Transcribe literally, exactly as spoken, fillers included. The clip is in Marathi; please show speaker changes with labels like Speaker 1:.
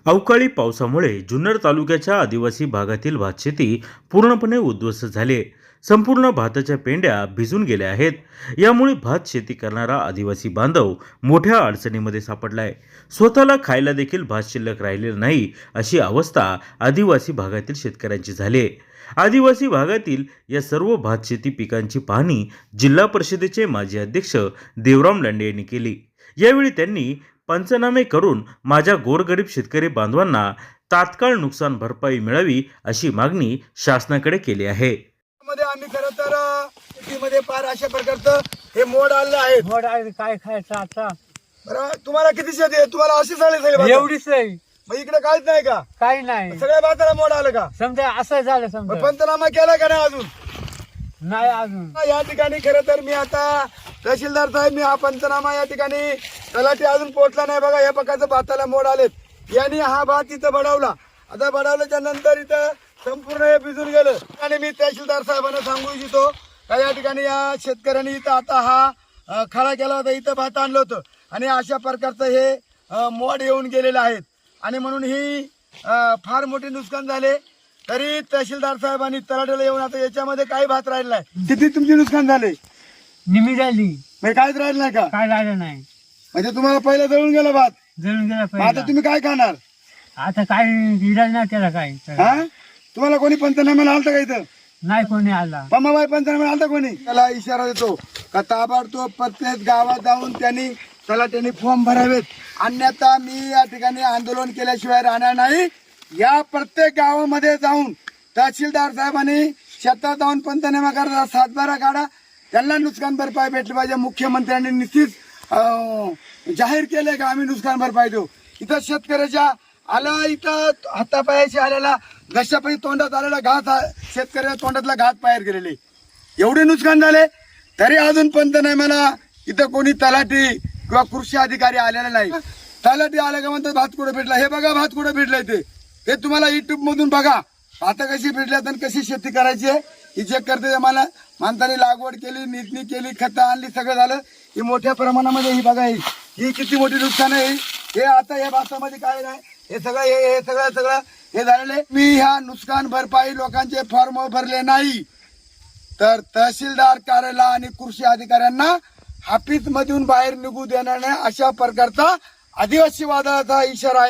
Speaker 1: अवकाळी पावसामुळे जुन्नर तालुक्याच्या आदिवासी भागातील भातशेती पूर्णपणे उद्ध्वस्त झाली आहे. संपूर्ण भाताच्या पेंड्या भिजून गेल्या आहेत. यामुळे भात शेती करणारा आदिवासी बांधव मोठ्या अडचणीमध्ये सापडलाय. स्वतःला खायला देखील भात शिल्लक राहिलेला नाही अशी अवस्था आदिवासी भागातील शेतकऱ्यांची झाली आहे. आदिवासी भागातील या सर्व भात शेती पिकांची पाहणी जिल्हा परिषदेचे माजी अध्यक्ष देवराम लांडे यांनी केली. यावेळी त्यांनी पंचनामे करून माझ्या गोरगरीब शेतकरी बांधवांना तात्काळ नुकसान भरपाई मिळावी अशी मागणी शासनाकडे केली आहे.
Speaker 2: मध्ये आम्ही खरं तर शेतीमध्ये फार अशा प्रकारचं हे मोड आलेलं आहे.
Speaker 3: मोड आहे काय खायचं आता
Speaker 2: बरं, तुम्हाला किती शेती आहे? तुम्हाला अशी झाली सगळी
Speaker 3: एवढीच आहे,
Speaker 2: मग इकडे काहीच नाही का?
Speaker 3: काही नाही.
Speaker 2: सगळ्या भाताला मोड आलं का?
Speaker 3: समजा असं झालं
Speaker 2: मग
Speaker 3: समजा
Speaker 2: पंचनामा केला का नाही अजून?
Speaker 3: नाही अजून.
Speaker 2: या ठिकाणी खरं तर मी आता तहसीलदार साहेब, मी हा पंचनामा या ठिकाणी तलाठी अजून पोहोचला नाही. बघा, या प्रकारचं भाताला मोड आलेत. यांनी हा भात इथं बडवला. आता बडवल्याच्या नंतर इथं संपूर्ण हे भिजून गेलं. आणि मी तहसीलदार साहेबांना सांगू इच्छितो का या ठिकाणी या शेतकऱ्यांनी इथं आता हा अ, खळा केला होता, इथं भात आणलं होतं आणि अशा प्रकारचं हे अ, मोड येऊन गेलेलं आहेत. आणि म्हणून ही अ, फार मोठे नुकसान झाले. तरी तहसीलदार साहेबांनी तलाठीला येऊन आता याच्यामध्ये काही भात राहिला नाही. किती तुमचे नुकसान झाले?
Speaker 3: निमी झाली,
Speaker 2: म्हणजे काहीच राहिलं नाही का?
Speaker 3: काय राहिलं नाही.
Speaker 2: म्हणजे तुम्हाला पहिला जळून गेला भात.
Speaker 3: जळून गेला
Speaker 2: मग आता
Speaker 3: पहिला.
Speaker 2: तुम्ही काय खाणार?
Speaker 3: आता काय इलाज नाही त्याला, काय
Speaker 2: हा? तुम्हाला कोणी पंचनाम्याला आलतं का इथं?
Speaker 3: नाही कोणी आला.
Speaker 2: पम्माबाई पंचनाम्याला आलता कोणी? त्याला इशारा देतो का ताबडतोब प्रत्येक गावात जाऊन त्यांनी त्याला त्यांनी फॉर्म भरावेत, अन्यथा मी या ठिकाणी आंदोलन केल्याशिवाय राहणार नाही. या प्रत्येक गावामध्ये जाऊन तहसीलदार साहेबांनी शेतात जाऊन पंचनामा करा, सातबारा काढा, त्यांना नुकसान भरपाई भेटली पाहिजे. मुख्यमंत्र्यांनी निश्चित अं, जाहीर केले का आम्ही नुकसान भरपाई देऊ. इथं शेतकऱ्याच्या आला, इथं हातापायाशी आलेला घशापायी तोंडात आलेला घात, शेतकऱ्याच्या तोंडातला घात बाहेर गेलेले, एवढे नुकसान झाले. तरी अजून पंचनाम्याला इथं कोणी तलाठी किंवा कृषी अधिकारी आलेला नाही. तलाठी आले का म्हणतात भात कुठे भेटला. हे बघा भात कुठे भेटलाय ते हे तुम्हाला युट्यूब मधून बघा. आता कशी भेटल्यात आणि कशी शेती करायची आहे ही चेक करते. मला माणसाने लागवड केली, निधनी केली, खतं आणली, सगळं झालं. ही मोठ्या प्रमाणामध्ये ही बघा, ही ही किती मोठी नुकसान आहे. हे आता या भातामध्ये काय नाही, हे सगळं हे हे सगळं सगळं हे झालेले. मी ह्या नुकसान भरपाई लोकांचे फॉर्म भरले नाही तर तहसीलदार कार्यालय आणि कृषी अधिकाऱ्यांना हाफिज मधून बाहेर निघू देणार नाही, अशा प्रकारचा आदिवासी वादाचा इशारा आहे.